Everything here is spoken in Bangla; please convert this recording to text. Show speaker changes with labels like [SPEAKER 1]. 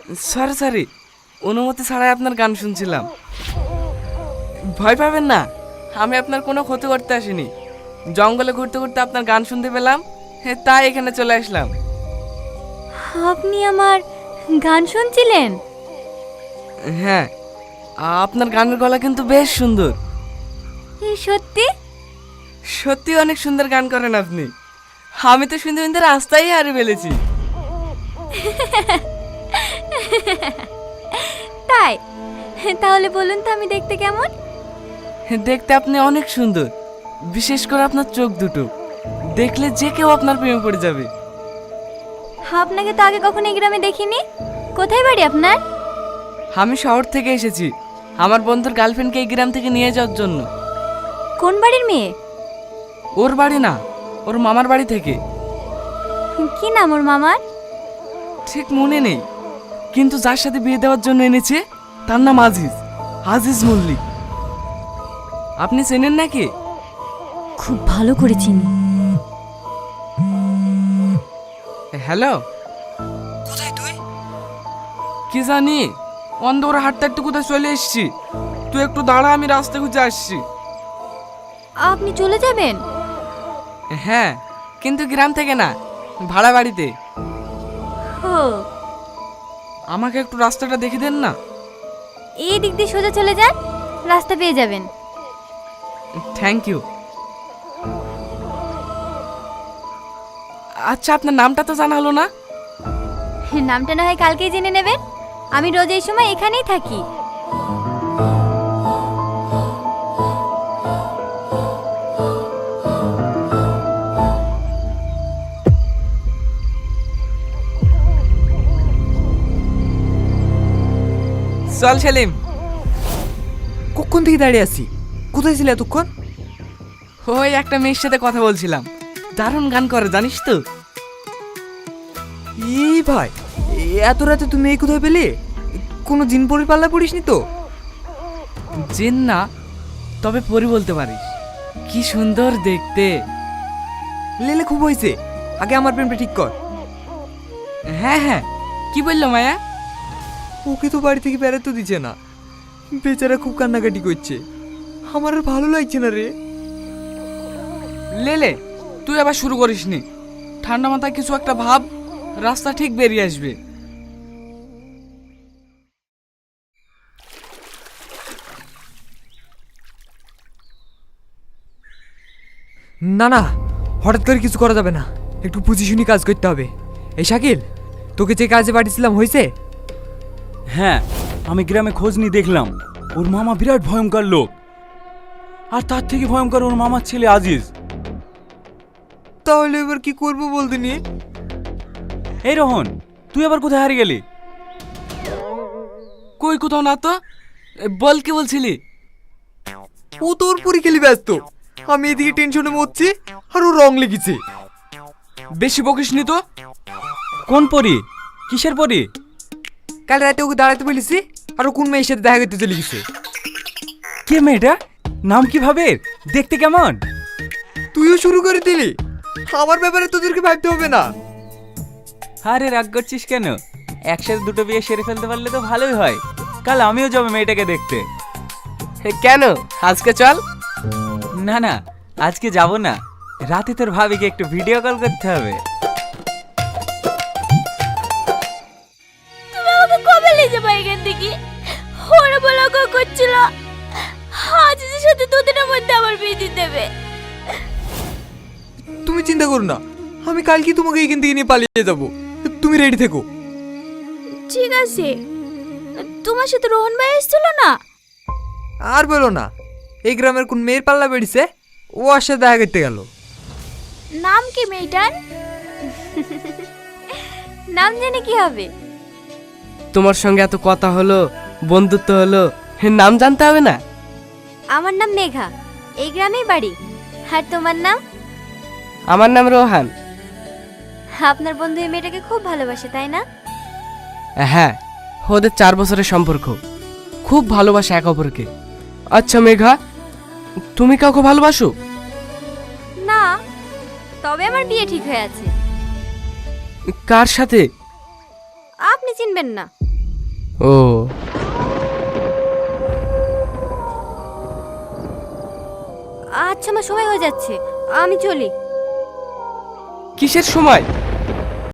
[SPEAKER 1] সরি সরি, অনুমতি ছাড়াই আপনার গান শুনছিলাম। ভয় পাবেন না, আমি আপনার কোনো ক্ষতি করতে আসিনি। জঙ্গলে ঘুরতে ঘুরতে আপনার গান শুনতে পেলাম, তাই এখানে চলে আসলাম।
[SPEAKER 2] আপনি আমার গান শুনছিলেন?
[SPEAKER 1] হ্যাঁ, আপনার গানের গলা কিন্তু বেশ সুন্দর।
[SPEAKER 2] এই সত্যি?
[SPEAKER 1] সত্যি অনেক সুন্দর গান করেন আপনি। আমি তো শুনতে শুনতে রাস্তায় হারিয়ে ফেলেছি।
[SPEAKER 2] তাই? তাহলে বলুন তো আমি দেখতে কেমন?
[SPEAKER 1] দেখতে আপনি অনেক সুন্দর, বিশেষ করে আপনার চোখ দুটো দেখলে যে কেউ আপনার প্রেমে পড়ে যাবে।
[SPEAKER 2] আপনাকে তো আগে কখনো এই গ্রামে দেখিনি। কোথায় বাড়ি আপনার?
[SPEAKER 1] আমি শহর থেকে এসেছি আমার বন্ধুর গার্লফ্রেন্ডকে এই গ্রাম থেকে নিয়ে যাওয়ার জন্য।
[SPEAKER 2] কোন বাড়ির মেয়ে?
[SPEAKER 1] ওর বাড়ি না, ওর মামার বাড়ি থেকে।
[SPEAKER 2] কি নাম ওর মামার?
[SPEAKER 1] ঠিক মনে নেই, কিন্তু যার সাথে বিয়ে দেওয়ার জন্য এনেছে তার নাম আজিজ, আজিজ মল্লিক। আপনি চেনেন নাকি?
[SPEAKER 2] খুব ভালো করে চিনি।
[SPEAKER 1] হ্যালো,
[SPEAKER 3] কোথায় তুই?
[SPEAKER 1] কি জানি অন্ধকার হাঁটতে হাঁটতে কোথায় চলে এসেছি। তুই একটু দাঁড়া, আমি রাস্তা খুঁজে আসছি।
[SPEAKER 2] আপনি চলে যাবেন?
[SPEAKER 1] হ্যাঁ, কিন্তু গ্রাম থেকে না, ভাড়া বাড়িতে।
[SPEAKER 2] ও,
[SPEAKER 1] আমাকে একটু রাস্তাটা দেখে দেন না।
[SPEAKER 2] এই দিক দিয়ে সোজা চলে যান, রাস্তা পেয়ে যাবেন।
[SPEAKER 1] Thank you. আচ্ছা, আপনার নামটা তো জানা হলো না।
[SPEAKER 2] নামটা না হয় কালকেই জেনে নেবেন। আমি রোজ এই সময় এখানেই থাকি।
[SPEAKER 1] চল সেলিম।
[SPEAKER 3] কখন থেকে দাঁড়িয়ে আছি? কোথায় ছিলে এতক্ষণ?
[SPEAKER 1] ওই একটা মেয়ের সাথে কথা বলছিলাম, দারুণ গান করে জানিস তো।
[SPEAKER 3] এই ভাই, এত রাতে তুমি এই কোথায় পেলে? কোনো জিন পরি পাল্লা পড়িসনি তো?
[SPEAKER 1] জিন না, তবে পরি বলতে পারিস। কি সুন্দর দেখতে।
[SPEAKER 3] লেলে খুব হয়েছে, আগে আমার প্রেমটা ঠিক কর।
[SPEAKER 1] হ্যাঁ হ্যাঁ, কি বললো মায়া?
[SPEAKER 3] ওকে তো বাড়ি থেকে বেড়াতে দিচ্ছে না, বেচারা খুব কান্নাকাটি করছে। আমার আর ভালো লাগছে না রে।
[SPEAKER 1] লেলে, তুই আবার শুরু করিসনি। ঠান্ডা মাথায় কিছু একটা ভাব, রাস্তা ঠিক বেরিয়ে আসবে।
[SPEAKER 3] না না, হঠাৎ করে কিছু করা যাবে না, একটু বুঝি শুনি কাজ করতে হবে। এই শাকিল, তোকে যে কাজে পাঠিয়েছিলাম হয়েছে?
[SPEAKER 4] হ্যাঁ, আমি গ্রামে খোঁজ নিয়ে দেখলাম ওর মামা বিরাট ভয়ঙ্কর লোক, আর তার থেকে ভয়ঙ্কর ওর মামার ছেলে আজিজ।
[SPEAKER 3] তাহলে এবার কি করবো বলতে নিয়ে?
[SPEAKER 4] এই রোহন, তুই আবার কোথায় হারিয়ে গেলি?
[SPEAKER 1] কই কোথাও না তো। বল, কি বলছিলি?
[SPEAKER 3] ও তোর পুরি খেলি ব্যস্ত, আমি এদিকে টেনশনে মরছি আর ও রং লেগেছে।
[SPEAKER 1] বেশি বকিসনি তো।
[SPEAKER 4] কোন পরি? কিসের পরি?
[SPEAKER 3] কাল রাতে ওকে দাঁড়াতে বলেছি, আর ও কোন মেয়ের সাথে দেখা করতে চলে গেছে।
[SPEAKER 4] কে মেয়েটা? নাম কি ভাবে? দেখতে কেমন?
[SPEAKER 3] তুইও শুরু করে দিলি, আমার ব্যাপারে তোদেরকে ভাবতে হবে না।
[SPEAKER 4] আরে রাগ করছিস কেন? একসাথে দুটো বিয়ে সেরে ফেলতে পারলে তো ভালোই হয়। কাল আমিও যাবো মেয়েটাকে দেখতে।
[SPEAKER 1] কেন, আজকে চল।
[SPEAKER 4] না না, আজকে যাব না, রাতে তোর ভাবিকে একটু ভিডিও কল করতে হবে।
[SPEAKER 2] তুমি আমাকে কবে নিয়ে যাবে এখান থেকে? ওরা বলা করছিল আজিজের সাথে দুদিনের মধ্যে আমার বিয়ে দিয়ে দেবে।
[SPEAKER 3] তুমি চিন্তা করো না, আমি কালকে তোমাকে এখান থেকে নিয়ে পালিয়ে যাবো। তুমি রেডি থেকো।
[SPEAKER 2] ঠিক আছে, তোমার সাথে রোহন ভাই এসেছিল না?
[SPEAKER 3] আর বলো না, এই গ্রামের কোন মেয়ের পাল্লা বেড়েছে, ও আর সাথে দেখা করতে গেল।
[SPEAKER 2] নাম কি মেয়েটার? নাম জেনে কি হবে?
[SPEAKER 1] তোমার সঙ্গে এত কথা হলো, বন্ধুত্ব হলো, নাম জানতে হবে না?
[SPEAKER 2] আমার নাম মেঘা, এই গ্রামেই বাড়ি। আর তোমার নাম?
[SPEAKER 1] আমার নাম রোহান।
[SPEAKER 2] আপনার বন্ধু এই মেয়েটাকে খুব ভালোবাসে, তাই না?
[SPEAKER 1] হ্যাঁ, ওদের 4 বছরের সম্পর্ক, খুব ভালোবাসে এক অপরকে। আচ্ছা মেঘা, তুমি কাউকে ভালোবাসো?
[SPEAKER 2] না, তবে আমার বিয়ে ঠিক হয়ে আছে।
[SPEAKER 1] কার সাথে?
[SPEAKER 2] আপনি চিনবেন না,
[SPEAKER 1] ও,
[SPEAKER 2] আচ্ছা আমার সময় হয়ে যাচ্ছে, আমি চলি।
[SPEAKER 1] কিসের সময়?